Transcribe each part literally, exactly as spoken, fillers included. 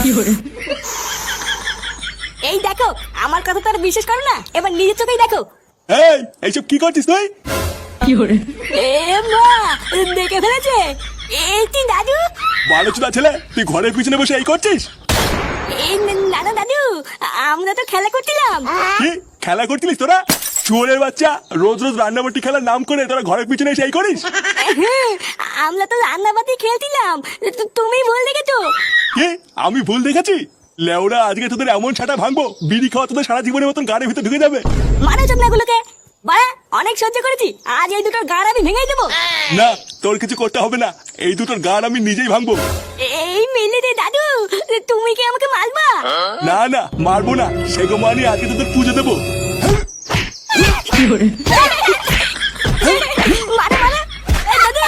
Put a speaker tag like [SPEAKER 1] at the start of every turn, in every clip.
[SPEAKER 1] এই দেখো, আমার কথা তো আর বিশ্বাস করো না, এবার নিজের চোখেই দেখো।
[SPEAKER 2] এই এইসব কি করছিস তুই?
[SPEAKER 1] এ মা, দেখে ফেলেছে। এই তুই দাদু?
[SPEAKER 2] ভালো চুদা ছেলে, তুই ঘরের পিছনে বসে এই করছিস?
[SPEAKER 1] এই না না দাদু, আমরা তো খেলা করছিলাম।
[SPEAKER 2] কি খেলা করছিলিস তোরা? চোরের বাচ্চা, রোজ রোজ রান্নাবাটি খেলার নাম করে তোরা ঘরের পিছনে এসে এই করিস?
[SPEAKER 1] হ্যাঁ, আমরা তো রান্নাবাতি খেলছিলাম, তু- তুমি ভুল দেখেছো।
[SPEAKER 2] কি আমি ভুল দেখেছি? লেওরা আজকে তোদের এমন ছাটা ভাঙবো, বিড়ি খাওয়া তোদের সারা জীবনের মতন গাড়ির ভিতরে ঢুকে যাবে।
[SPEAKER 1] মানো চোদনাগুলোকে, বাড়া অনেক সহ্য করেছি, আজ এই দুটোর গাড় আমি ভেঙে দেবো।
[SPEAKER 2] না, তোর কিছু করতে হবে না, এই দুটোর গান আমি নিজেই ভাঙবো।
[SPEAKER 1] এই মিলে রে দাদু, তুমি কি আমাকে মারবা?
[SPEAKER 2] না না, মারবো না, সেগো মানি আজকে তোদের পুজো দেবো।
[SPEAKER 1] মারো মারো, এই দাদু।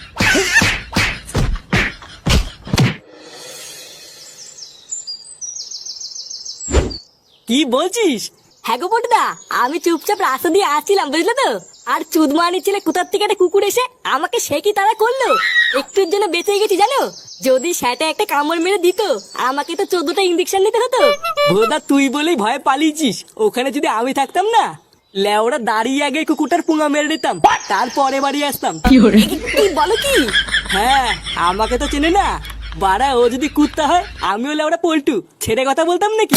[SPEAKER 3] কি বলছিস?
[SPEAKER 1] হ্যাঁ গো পটুদা, আমি চুপচাপ রাস্তা দিয়ে আসছিলাম, বুঝলে তো। আর চুদমানি ছেলে কোথার থেকে একটা কুকুর এসে আমাকে সে কি তারা করলো। একটুর জন্য বেঁচে গেছি জানো, যদি সেটা একটা কামড় মেরে দিত আমাকে তো চোদ্দটা ইঞ্জেকশন নিতে হতো।
[SPEAKER 3] ভোদা তুই বলেই ভয়ে পালিয়েছিস, ওখানে যদি আমি থাকতাম না, লেওরা দাঁড়িয়ে আগে কুকুরটার পুঙা মেরে দিতাম, তারপরে বাড়ি আসতাম।
[SPEAKER 1] কি কি বলো কি?
[SPEAKER 3] হ্যাঁ, আমাকে তো চেনে না বাড়া, ও যদি কুত্তা হয় আমিও লেওরা পল্টু, ছেড়ে কথা বলতাম নাকি?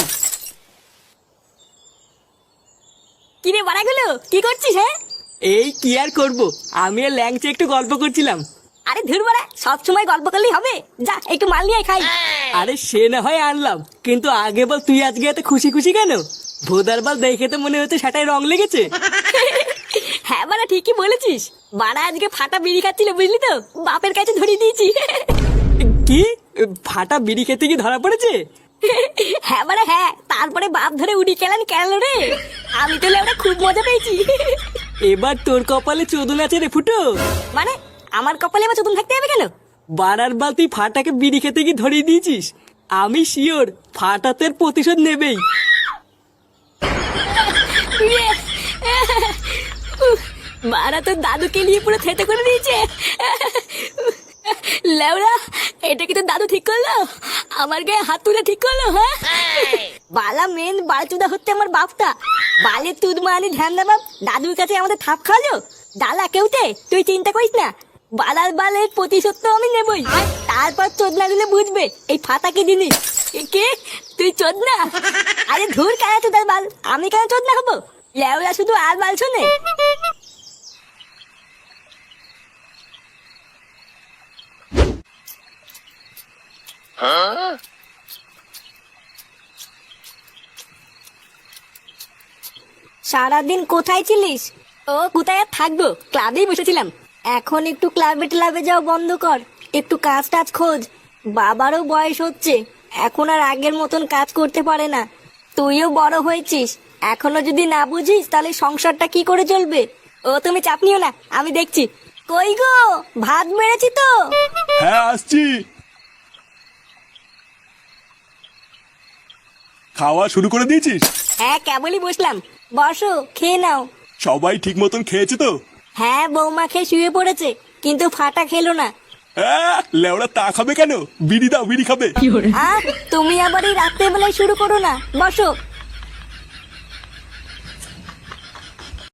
[SPEAKER 1] কিরে বাড়াগুলো, কি করছিস? হ্যাঁ,
[SPEAKER 3] এই কি আর করবো, আমি আর ল্যাংচে একটু গল্প করছিলাম।
[SPEAKER 1] আরে ধুর বাড়া, সব সময় গল্প করলেই হবে? যা একটু মাল নিয়ে আয় খাই।
[SPEAKER 3] আরে সে না হয় আনলাম, কিন্তু আগে বল তুই আজকে এত খুশি খুশি কেন? ভোদার বল দেখে তো মনে হচ্ছে সেটাই রং লেগেছে।
[SPEAKER 1] হ্যাঁ বাড়া, ঠিকই বলেছিস। বাড়া আজকে ফাটা বিড়ি খাচ্ছিল, বুঝলি তো, বাপের কাছে ধরিয়ে দিয়েছি।
[SPEAKER 3] কি ফাটা বিড়ি খেতে কি ধরা পড়েছে?
[SPEAKER 1] হ্যাঁ বাড়া হ্যাঁ, তারপরে বাপ ধরে উড়ি খেলেন কেন রে। আমি তো ওটা খুব মজা পেয়েছি।
[SPEAKER 3] এবার তোর কপালে চোদন আছে রে ফুটো।
[SPEAKER 1] মানে আমার কপালে এবার চতুন থাকতে হবে কেন?
[SPEAKER 3] বারার বাল তুই ফাটাকে বিড়ি খেতে কি ধরিয়ে দিয়েছিস, আমি শিওর ফাটা তোর প্রতিশোধ নেবেই।
[SPEAKER 1] বাড়া তো দাদুকে নিয়ে পুরো থেতে করে দিয়েছে। লেওরা, এটা কি তো দাদু ঠিক করলো? আমার গায়ে হাত তুলে ঠিক করলো? হ্যাঁ, বালা মেন বালচুদা হচ্ছে আমার বাপটা। বালে তুদ মানি ধ্যান দা বাপ, দাদুর কাছে আমাদের থাপ খাওয়ালো। ডালা কেউতে তুই চিন্তা করিস না, বালার বালের প্রতিশোধ তো আমি নেবই। তারপর চোদনা দিলে বুঝবে এই ফাতা কি জিনিস। এ কে তুই চোদনা? আরে ধুর কেন চোদার বাল, আমি কেন চোদনা হবো? লেওরা শুধু আর বাল শোনে। সারাদিন কোথায় ছিলিস? ও কোথায় আর থাকবো, ক্লাবেই বসেছিলাম। এখন একটু ক্লাবে ক্লাবে যাও বন্ধ কর, একটু কাজ টাজ খোঁজ। বাবারও বয়স হচ্ছে, এখন আর আগের মতন কাজ করতে পারে না। তুইও বড় হয়েছিস, এখনো যদি না বুঝিস তাহলে সংসারটা কি করে চলবে? ও তুমি চাপ নিও না, আমি দেখছি। কই গো, ভাত মেরেছি তো।
[SPEAKER 2] হ্যাঁ আসছি। খাওয়া শুরু করে দিয়েছিস?
[SPEAKER 1] হ্যাঁ কেবলই বসলাম, বসো খেয়ে নাও।
[SPEAKER 2] সবাই ঠিক মতন খেয়েছে তো?
[SPEAKER 1] হ্যাঁ, বৌমা খেয়ে শুয়ে পড়েছে, কিন্তু ফাটা খেলো না।
[SPEAKER 2] হ্যাঁ, লেওরা তা খাবে কেন? বিড়ি দাও, বিড়ি খাবে।
[SPEAKER 1] আহ, তুমি আবার এই রাত্রে বেলায় শুরু করো না, বসো।